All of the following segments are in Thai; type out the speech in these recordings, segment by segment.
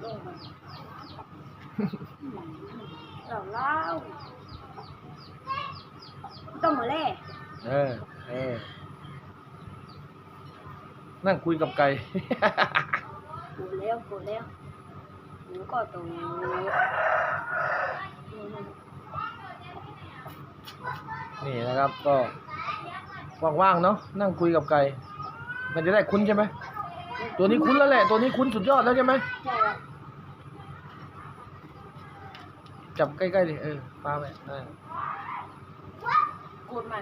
ลงไปเล่าต้องมาแล่นั่งคุยกับไก่กูแล้วหนูก็ตรงนี่นะครับก็ว่างๆเนาะนั่งคุยกับไก่มันจะได้คุ้นใช่ไหมตัวนี้คุ้นแล้วแหละตัวนี้คุ้นสุดยอดแล้วใช่ไหมใช่ครับจับใกล้ๆดิปาไปกูดใหม่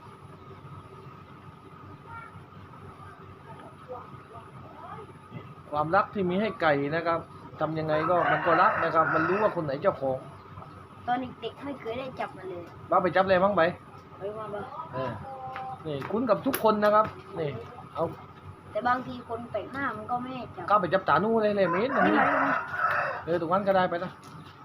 ความรักที่มีให้ไก่นะครับทำยังไงก็มันก็รักนะครับมันรู้ว่าคนไหนเจ้าของตอนเด็กๆไม่เคยได้จับมันเลยบ้าไปจับเลยมั้งไปไปว่าบ้านี่คุ้นกับทุกคนนะครับนี่เอาแต่บางทีคนแปลกหน้ามันก็ไม่จับก็ไปจับตานู่เลยเมตรนี่ตรงนั้นก็ได้ไปนะ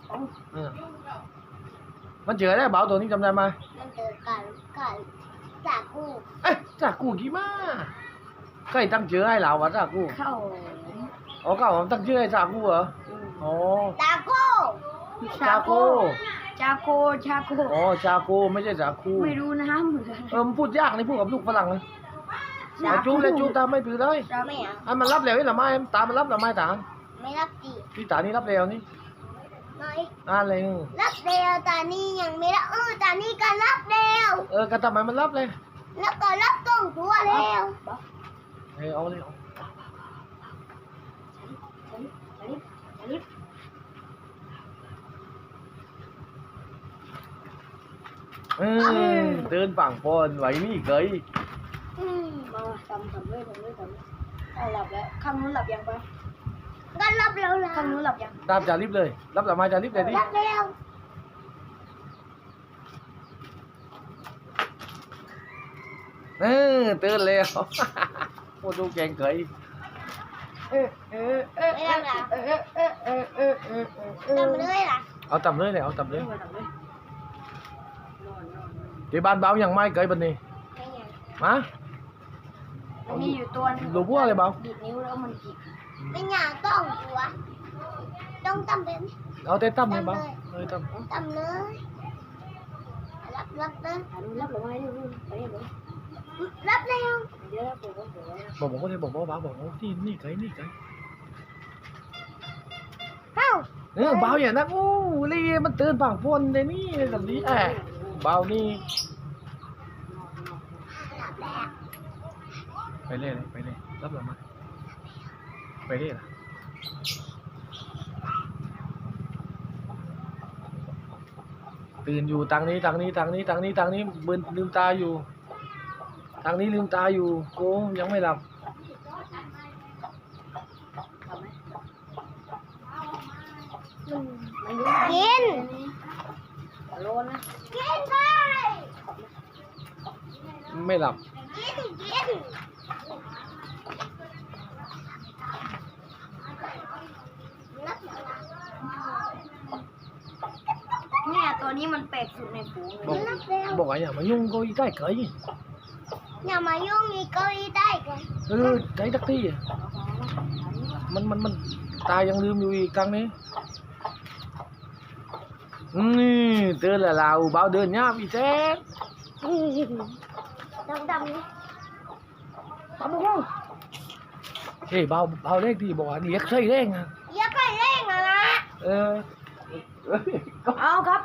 มันเจอได้เบาตัวนี้จำได้ไหมมันเจอไก่จากกูจากกูกี่มาใครตั้งเจอให้เราวะจากกูเข้าก็ผมตั้งชื่อให้จากกูเหรอจากกูจากกูจากกูไม่ใช่จากกูไม่รู้นะเหมือนพูดยากนี่พูดกับลูกฝรั่งเลยจูเลยจูตาไม่ปืนเลยอันมันรับเร็วนี่หรือไม่ตามันรับหรือไม่ตาไม่รับดิพี่ตานี่รับเร็วนี่อะไรรับเร็วตานี่ยังไม่รับตานี่ก็รับเร็วก็ทำไมมันรับเลยแล้วก็รับตรงตัวเร็วเอาเลยเดินฝั่งพนไหวนี่เคยมาทำด้วยหลับแล้วข้างนู้นหลับยังปะก็รับแล้วนะข้างนู้นหลับยังรับจะรีบเลยรับหลับมาจะรีบเลยดิรับแล้วตื่นแล้วโอ้ดูแกงเคยทำเลยล่ะเอาตำเลยเอาตำเลยที่บ้านเบาอย่างไม่เคยบันนี้มามีอยู่ตัวนึงรู้ว่าอะไรเบาบีบนิ้วแล้วมันบีบเป็นอย่างต้องตัวต้องตำเป็นเอาแต่ตำเลยเบาตำเลยรับเลยรับหรือไม่ไปเลยรับเร็วบอกว่าเลยบอกว่าบอกว่านี่ไก่เบาอย่างนั้นโอ้ลีมันตื่นฝั่งพนเลยนี่แบบนี้เบานี่ไปเรื่อยรับหรือไม่ไปเรื่อยล่ะตื่นอยู่ทางนี้เบิ่นลืมตาอยู่ทางนี้ลืมตาอยู่โก้ยังไม่หลับกินโลนะกินไปไม่หลับกินเนี่ยตัวนี้มันแปลกสุดในฝูงเลยบอกอย่ามายุ่งก็อีได้เกยอย่ามายุ่งอีกก็อีได้เกยไก่ตักที่มันตายังลืมอยู่อีกครั้งนี้เตือนlà lào bao đơn nhá vì thế đâm đi bao bông ê bao đấy thì bỏ điếc xây đấy à điếc xây đấy à ao cấp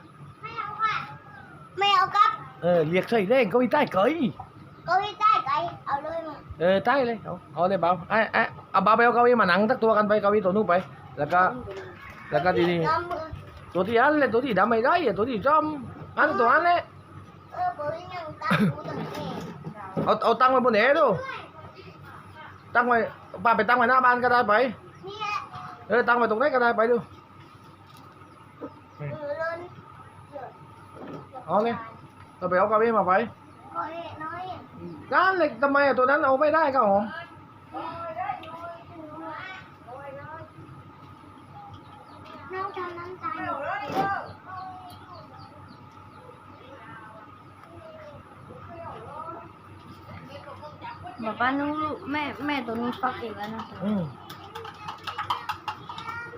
mèo cấp liệt xây đấy có đi tay cởi เอาเลยมาใต้เลยเอาเลยเบาเอาเบาไปเอาเก้าอี้มานั่งทักตัวกันไปเก้าอี้ตัวนู้นไปแล้วก็ดีๆตัวที่อันเลยตัวที่ดำไม่ได้ตัวที่จอมอันตัวอันเลยเอาตั้งไว้บนเหนือดูตั้งไว้ป้าไปตั้งไว้หน้าบ้านก็ได้ไปตั้งไว้ตรงนี้ก็ได้ไปดูเอาเลยเราไปเอาเก้าอี้มาไปนั่นเลยทำไมตัวนั้นเอาไม่ได้ครับผมน้องจะน้ำตาบอกว่านู้แม่ตัวนู้ฟักอีกแล้วนะ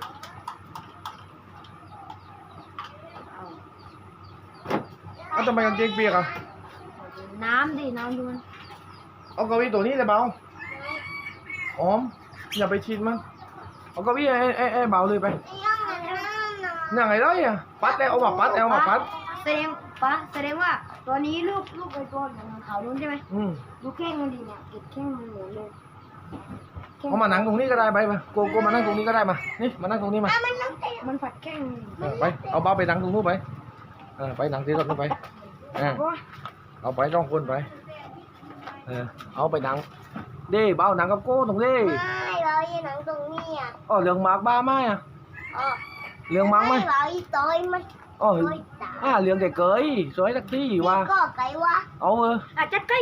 ทำไมกางเกงเปียกอ่ะน้ำดิน้ำดูมันเอาเก้าอี้ตัวนี้เลยเบาหอมอย่าไปชิดมันเอาเก้าอี้ไอ้เบาเลยไปนั่งไงได้อ่ะปัดเอามาปัดเอามาปัดแสดงว่าตัวนี้ลูกไอ้ตัวของเขานู้นใช่ไหม ดูแข้งมันดีเนี่ยเก็บแข้งมันเหมือนเลยเอามานั่งตรงนี้ก็ได้ไปมาโกมานั่งตรงนี้ก็ได้มานี่มานั่งตรงนี้มามันผัดแข้งไปเอาเบาไปนั่งตรงนู้นไปไปนั่งที่รถนู้นไปเอาไปต้องคนไปเอาไปนั่งดิเบานั่งกับโก้ตรงนี้ไม่เราอีหนังตรงนี้อ่ะอ๋อเรื่องมากบ้าไหมอ่ะอ๋อเรื่องมากไหมเราอีต้อยมันอ๋อเรื่องเก๋ๆสวยสักที่ว่าก็ไก่วะเอาจัดไก่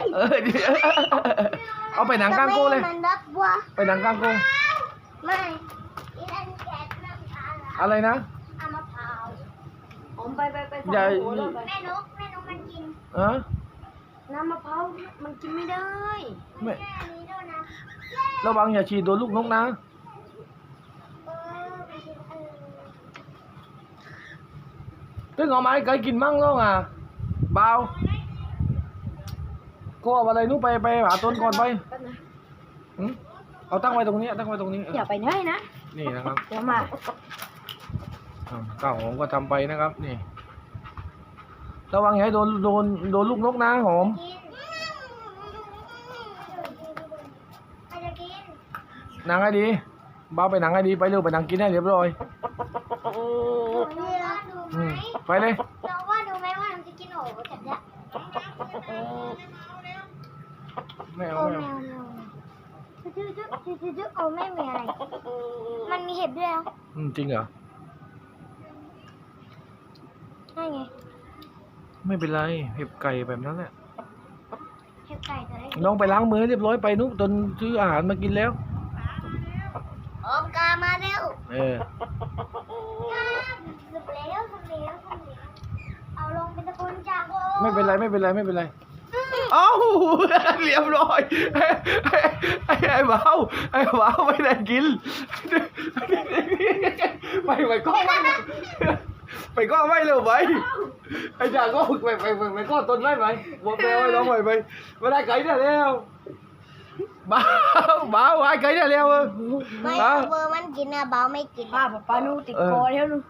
เอาไปหนังกลางโก้เลยมันรักวะไปหนังกลางโก้ไม่อีนั่นแกะน้ำตาลอะไรนะเอามะพร้าวผมไปอย่าแม่นกมันกิน น้ำมะพร้าวมันกินไม่ได้ไม่แม่นี้ด้วยนะระวังอย่าฉีดโดนลูกนกนะไปกินตึ้งเอาไม้ไก่กินมั่งแล้วอ่ะเบาก็เอาอะไรนู้นไปหาต้นก่อนไปเอาตั้งไว้ตรงนี้ตั้งไว้ตรงนี้อย่าไปไหนนะนี่นะครับเดี๋ยวมาข้าวหอมก็ทำไปนะครับนี่ระวังอย่าให้โดนลูกนกนะหอม นางให้ดีเบาไปนางให้ดีไปเร็วไปนางกินให้เรียบร้อยไปเลยเราว่าดูไหมว่ามันจะกินโอ้จัดเนี่ยไม่เอาโอ้ไม่แมเอาวจุ๊โอ้ไม่มีอะไร มันมีเห็บด้วยเหรอจริงเหรอใช่ไงไม่เป็นไรเห็บไก่แบบนั้นแหละเห็บไก่ตัวไหนน้องไปล้างมือให้เรียบร้อยไปนุ๊กจนซื้ออาหารมากินแล้วออมกามาเร็ว สุดแล้วเอาลงเป็นตะกุนจากโอ้ไม่เป็นไรไม่เป็นไรไม่เป็นไรเอ้าเรียบร้อยไอ้เบาไม่ได้กินไปก็ไปก็ไม่เร็วไปไอ้จ่าก็ไปก็ต้นไม้ไปบอกแมวไอ้น้องไปไม่ได้ไก่ได้แล้วเบาไอ้ไก่ได้แล้วไม่เบอร์มันกินนะเบาไม่กินป้านูติดคอแล้วนู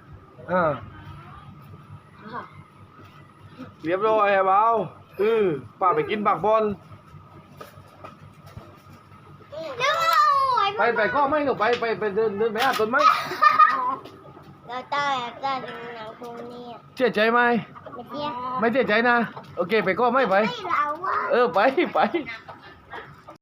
เรียบร้อยไอ้เบาป้าไปกินบักบอลไปก็ไม่หนูไปเดินไปหาต้นไม้เราต้องหนังตรงนี้เชื่อใจไหมไม่เตี้ยไม่เชื่อใจนะโอเคไปก็ไม่ไปไม่เราอะไป